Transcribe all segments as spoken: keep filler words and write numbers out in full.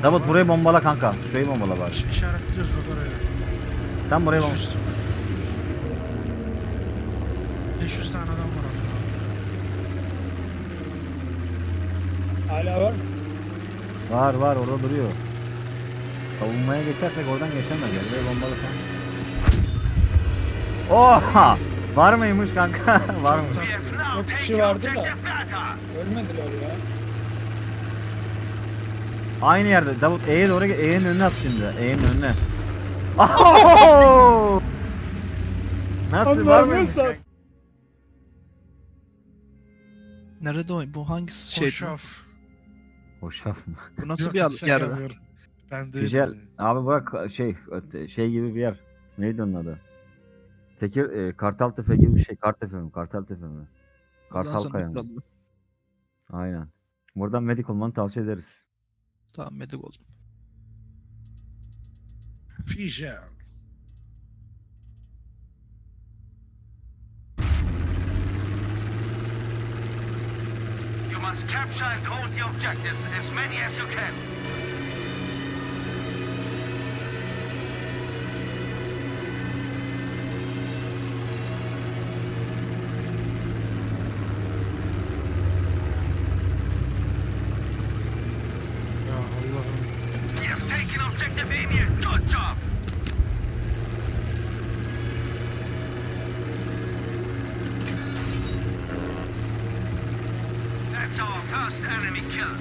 Davut burayı bombala kanka. Şurayı bombala bari. İş- İşaretliyoruz bak oraya. Tam burayı bombala. beş yüz beş yüz tane adam var orada. Hala var mı? Var var orada duruyor. Savunmaya geçersek oradan geçemez ya. Burayı bombala falan. Oha! Var mıymış kanka? Var mı? Çok tatlı. Çok kişi vardı da. Ölmediler ya. Aynı yerde. Davut E'ye doğru gel. E'nin önüne at şimdi. E'nin önüne. Oho! Nasıl var mıymış? Nasıl? Nerede o? Bu hangisi şey? Hoşaf. Hoşaf mı? Bu nasıl Yok, bir şaka yer? yapıyorum. Ben de Güzel. Abi bak şey şey gibi bir yer. Neydi onun adı? Tekir e, Kartaltepe gibi bir şey. Kartepe mi? Kartaltepe mi? Kartal Kaya mı? Aynen. Buradan medik olmanı tavsiye ederiz. Tamam, medik oldum. Fijel. You must capture and hold the objectives, as many as you can. Ya Allah'ım. You've taken objective Emir. Good job. That's our first enemy kill.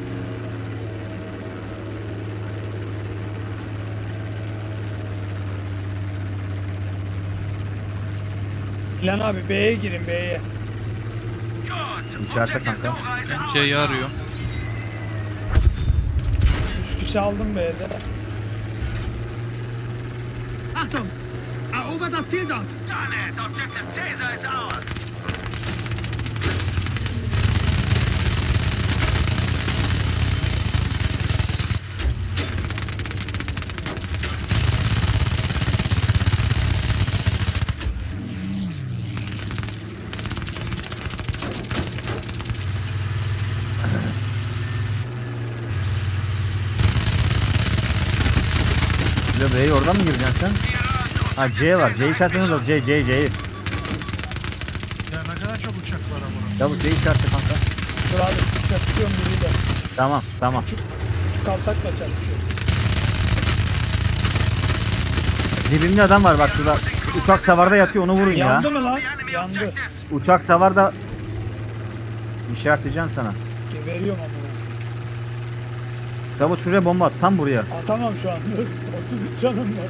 İlhan abi B'ye girin B'ye. Good. İçeride Objective kanka. Dora is ours C'yi now. arıyor. Üç kişi aldım B'de. Achtung! Erobert das Ziel dort! Done it. Objective Caesar is ours. Ya B'ye oradan mı gireceksin sen? Ha C var. C işaretini de C C C'yi. Ya ne kadar çok uçak var ama. Davut C işareti kanka. Dur abi sık çatışıyorum biriyle. Tamam tamam. Küçük, küçük kaltakla çatışıyorum. Dibimde adam var bak şurada. Uçak savarda yatıyor onu vurun ya. Yandı mı lan? The enemy Yandı. objectives. Uçak savarda işaretleyeceğim sana. Geberiyorum ama. Davut şuraya bomba at tam buraya. Atamam şu an. otuz üç canım var.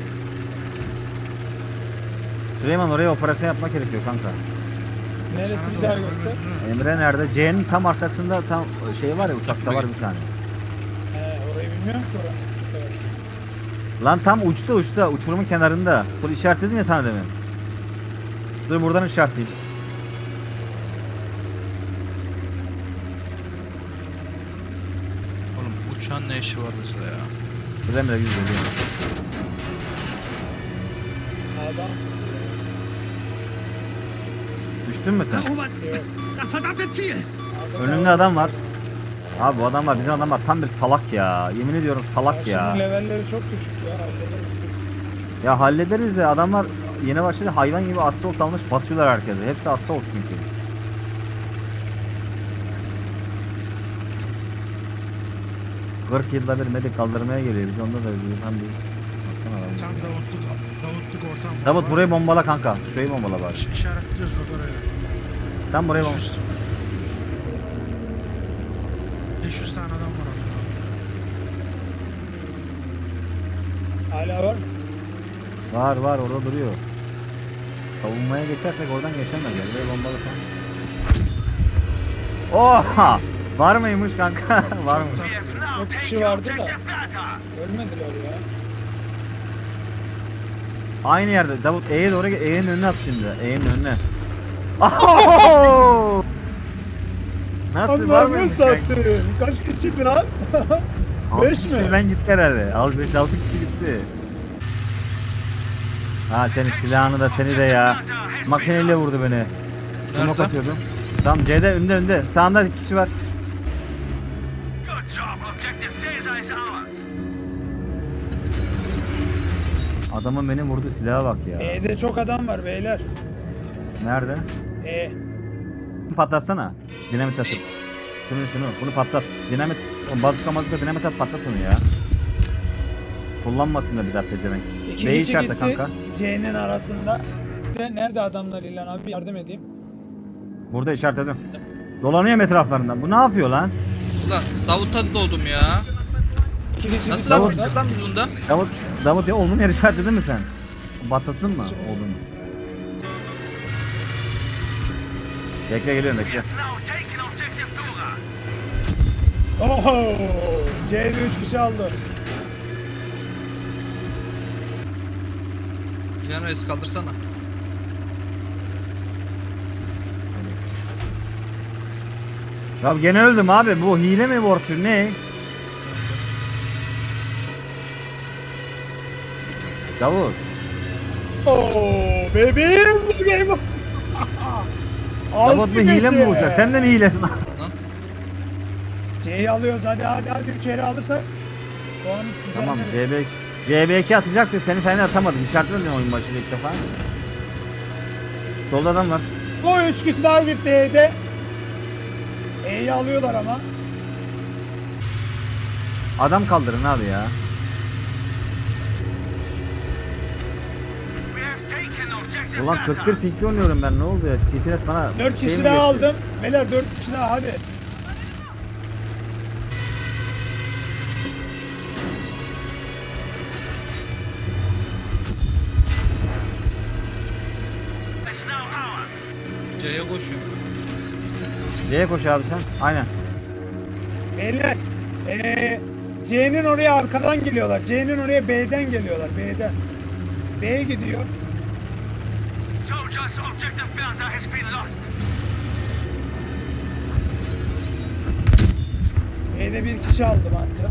Süleyman oraya operasyon yapmak gerekiyor kanka. Neresi Sana bir da daha olur, göster. ölür. Emre nerede? C'nin tam arkasında tam şey var ya uçak savar bir tane. He orayı bilmiyorum ki oranın. Bu sefer. Lan tam uçta uçta uçurumun kenarında. Bunu işaretledim ya sana demin. Dur buradan işaretleyeyim. Oğlum uçağın ne işi var bizde ya? Dur Emre yüz geliyor. Adam. Düştün mü sen? Erobert! Das verdammte Ziel! adam Önümde adam var. Abi bu adam var bizim adam var tam bir salak ya. Yemin ediyorum salak ya. Karşının levelleri çok düşük ya. Hallederiz. Ya hallederiz ya adamlar yeni başladı hayvan gibi assault almış basıyorlar herkese. Hepsi assault çünkü. kırk yılda bir medik kaldırmaya geliyor. Biz onda da üzülüyoruz. Hem biz. Baksana adam. Tam Davutluk, Davutluk ortam var. Davut burayı bombala kanka. Şurayı bombala bari. İş- İşaretliyoruz bak oraya. Tam burayı beş bombala. yüz beş yüz tane adam var orada. Hala var mı? Var var orada duruyor. Savunmaya geçersek oradan geçemez ya. Burayı bombala falan. Oha! Var mıymış kanka? Var mı? We have now Çok kişi taken vardı da. objective Bertha. Ölmediler ya. Aynı yerde. Davut E'ye doğru gel. E'nin önüne at şimdi. E'nin önüne. Oho! Nasıl var mıymış kanka? Kaç kişiydi lan? Altı Beş mi? kişiden gitti herhalde. Al beş altı kişi gitti. Ha senin silahını da seni de ya. Makineyle vurdu beni. Smoke Nerede? atıyordum. Tamam C'de önde önde. Sağında kişi var. Good job, Objective Caesar is ours. Adamın beni vurdu silaha bak ya. E'de çok adam var beyler. Nerede? E. Patlatsana. Dinamit atıp. Şunu şunu. Bunu patlat. Dinamit. O bazuka mazuka dinamit at patlat onu ya. Kullanmasın da bir daha pezevenk. İki B'yi kişi işaretle gitti kanka. C'nin arasında. De, nerede adamlar İlhan abi yardım edeyim. Burada işaretledim. Dolanıyorum etraflarından. Bu ne yapıyor lan? Ulan Davut'a doğdum ya. İki kişi Nasıl gitti lan orada. gideceğiz lan biz bunda? Davut, Davut ya oğlum yer işaretledin mi sen? Patlattın mı oğlum? Bekle geliyorum bekle. Now taking objective Dora. Oho! C'de üç kişi aldı. İlhan Reis kaldırsana. Ya gene öldüm abi. Bu hile mi borçlu ne? Davut. Oo, bebeğim bebeğim. Davut bu hile mi bulacak? Sen de mi hilesin? Lan C'yi alıyoruz hadi hadi hadi üçeri alırsak. Puan Tamam veririz. C B C B iki atacaktı. Seni sen atamadım. İşaretlemedim oyun başında ilk defa. Solda adam var. Bu üç kişi daha gitti E'de. E'yi alıyorlar ama. Adam kaldırın abi ya. We have taken objective Ulan kırk bir Delta. pinkli oynuyorum ben. Ne oldu ya? Titret bana Dört şey kişi mi daha geçti? aldım. Beyler dört kişi daha hadi. It's now ours. C'ye koşuyorum. C'ye koş abi sen. Aynen. Beyler. Ee, C'nin oraya arkadan geliyorlar. C'nin oraya B'den geliyorlar. B'den. B'ye gidiyor. Soldiers, objective Delta has been lost. B'de bir kişi aldım ancak.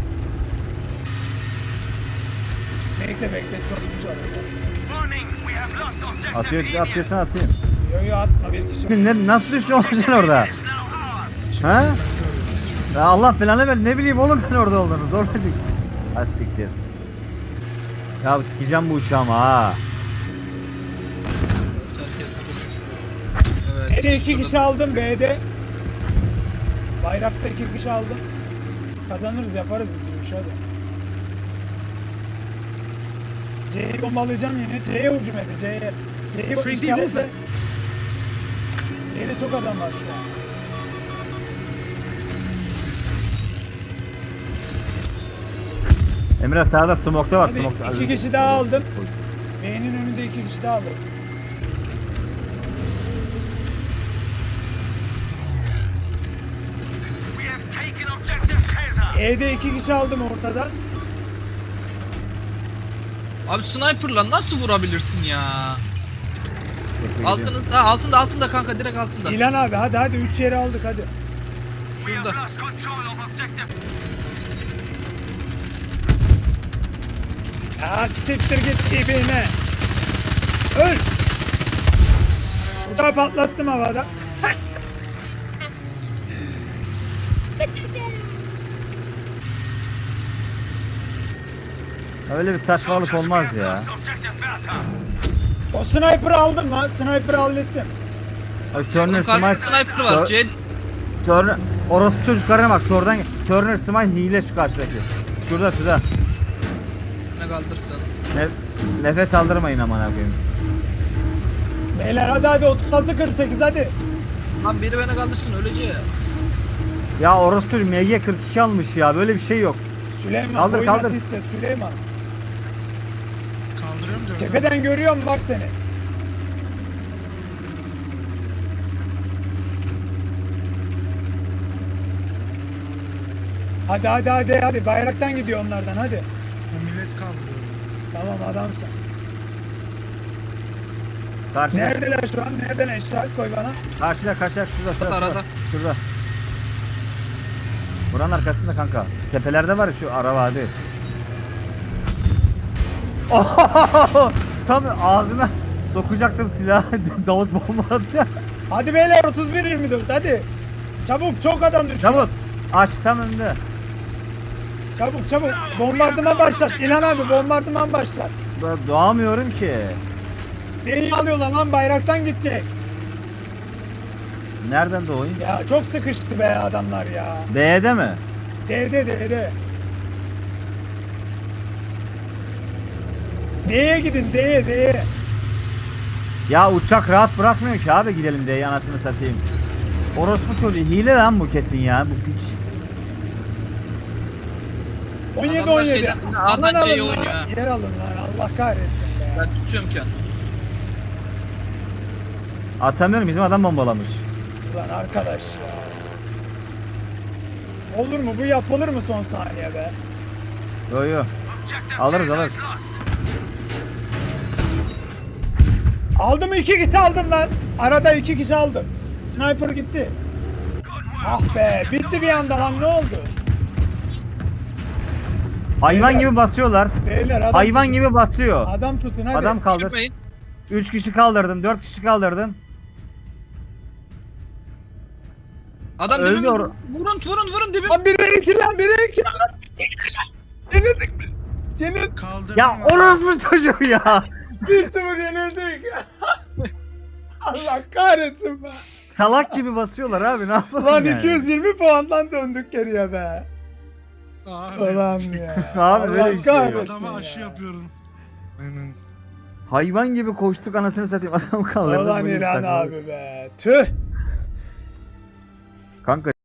Bekle bekle çok güç alıyor. Warning, we have lost objective Atıyor, Iliad. atıyorsan atayım. Yo yo atma bir kişi. Ne, nasıl düşüyorsun sen orada? It's now ours. Ha? Ya Allah belanı ver. Ne bileyim oğlum ben orada olduğunu. Zorlacık. Hadi siktir. Ya sikeceğim bu uçağımı ha. Evet. B'de iki kişi aldım B'de. Bayrakta iki kişi aldım. Kazanırız yaparız biz bu işi hadi. C'yi bombalayacağım yine. C'ye hücum edin C'ye. C'yi Şey işaretle. C'de çok adam var şu an. Emre sağda smoke'ta var. Hadi Smoke'ta. iki kişi daha aldım. B'nin önünde iki kişi daha aldım. We have taken objective Caesar. E'de iki kişi aldım ortada. Abi sniper'la nasıl vurabilirsin ya? Bekle, gidiyorum. Altında, ha, altında altında kanka direkt altında. İlan abi hadi hadi üç yeri aldık hadi. We have Şurada. lost control of objective. Ya siktir git dibine. Öl. Uçağı patlattım havada. Öyle bir saçmalık Soldiers, olmaz we have ya. lost objective Delta. O sniper'ı aldım lan. Sniper'ı hallettim. Ay, Turner Karşı Smite. sniper var. Tur- C Turner. Orospu çocuklarına bak sonradan. Turner Smite hile şu karşıdaki. Şurada şurada. ne kaldırsın. Ne, nefes aldırmayın aman koyayım. Beyler hadi hadi otuz altı kırk sekiz hadi. Lan biri beni kaldırsın öleceğiz. Ya orospu çocuk M G kırk iki almış ya. Böyle bir şey yok. Süleyman Kaldır, oyna kaldır. sisle Süleyman. Kaldırıyorum diyorum. Tepeden görüyorum bak seni. Hadi hadi hadi hadi bayraktan gidiyor onlardan hadi. Bu millet kaldırıyor. Tamam adamsın. Karşıda. Neredeler şu an? Nereden işaret koy bana? Karşıda karşıda şurada şurada. Arada, şurada. arada. Şurada. Buranın arkasında kanka. Tepelerde var ya şu araba hadi. Ohohoho! Tam ağzına sokacaktım silahı. Davut bomba attı. Hadi beyler otuz bir yirmi dört hadi. Çabuk çok adam düşüyor. Davut aç tam önünde. Çabuk çabuk. Bombardıman başlat. İlhan abi bombardıman başlat. Ben doğamıyorum ki. Neyi alıyorlar lan bayraktan gidecek. Nereden doğayım? Ya çok sıkıştı be adamlar ya. B'de mi? D'de D'de. D'ye gidin D'ye D'ye. Ya uçak rahat bırakmıyor ki abi, gidelim diye anasını satayım. Orospu çocuğu hile lan bu kesin ya, bu piç. on yedi Adamlar on yedi. şeyden- Aman A'dan C'ye alın oynuyor lan. ha. Yer alın lan. Allah kahretsin be. Ben tutuyorum kendimi. Atamıyorum, bizim adam bombalamış. Ulan arkadaş ya. Olur mu? Bu yapılır mı son saniye be? Yo yo. Objective Alırız, Charlie alırız. is lost. Aldım iki kişi aldım lan. Arada iki kişi aldım. Sniper gitti. Good work. Ah be bitti bir anda lan ne oldu? Hayvan Beyler. gibi basıyorlar. Beyler adam Hayvan tutun. gibi basıyor. Adam tutun hadi. Adam kaldır. Düşürmeyin. üç kişi kaldırdım, dört kişi kaldırdım. Adam Öldü dibimizde. or- Vurun vurun vurun dibim. Lan biri iki lan biri iki lan. Yenildik mi? Yenildik. Kaldırdım. Ya orospu çocuğu ya. Bir sıfır yenildik. Allah kahretsin be. Salak gibi basıyorlar abi, ne yapalım Lan yani? iki yüz yirmi puandan döndük geriye be. Abi, Ulan ya. Abi böyle Allah bir şey yok. kahretsin Adama aşı ya. yapıyorum. Aynen. Hayvan gibi koştuk, anasını satayım, adam kaldırdı. Ulan Böyle bir İlhan saçmalık. abi be. Tüh. Kanka